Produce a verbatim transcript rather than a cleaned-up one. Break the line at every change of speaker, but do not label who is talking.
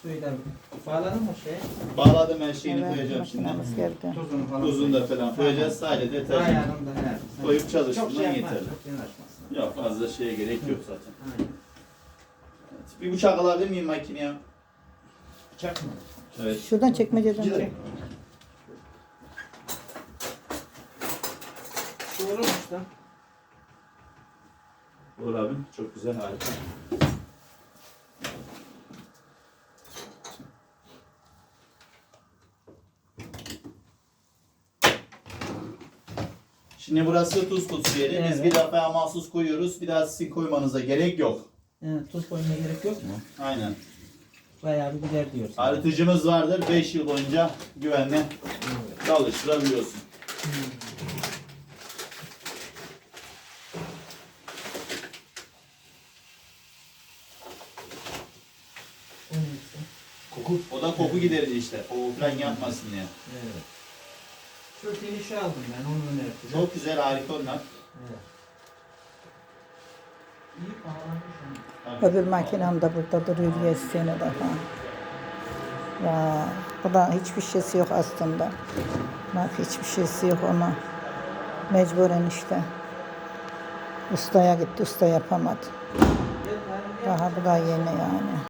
Suyla bağladın mı şey?
Bağladım, her şeyini
Evet,
koyacağım şimdi.
makinamız geldi.
Tuzunu falan.
Tuzunu da falan koyacağız. Sadece deterjan
Ayarını da her.
koyup çalıştırman
Çok şey yapmaz,
yeterli.
çok yanaşmasın.
Yok, fazla şeye gerek yok zaten.
Aynen.
Evet. Bir bıçak alabilir miyim makineye?
Bıçak mı?
Evet.
Şuradan çekmeceden çek.
Doğrumuş da.
Olur abi. Çok güzel, harika. Şimdi burası tuz kutusu yeri. Biz
Evet.
bir defa mahsus koyuyoruz. Bir daha sizin koymanıza gerek yok.
Evet, tuz koymaya gerek yok mu?
Aynen.
Bayağı bir gider diyorsun.
Arıtıcımız vardır. beş yıl boyunca güvenle çalıştırabiliyorsun.
O neyse.
Koku. O da koku giderici işte. Koku falan yapmasın diye.
Evet. Şu finişi aldım ben, onu önerdim.
Çok güzel, harika onlar.
Evet. İyi bağlamış onu.
Tabii.
Öbür makinem de burada duruyor diye sene daha. Ya, bu da hiçbir şeysi yok aslında. Bak hiçbir şeysi yok ama mecburen işte. Ustaya gitti, usta yapamadı.
Gel, gel, gel.
Daha bu da yeni yani.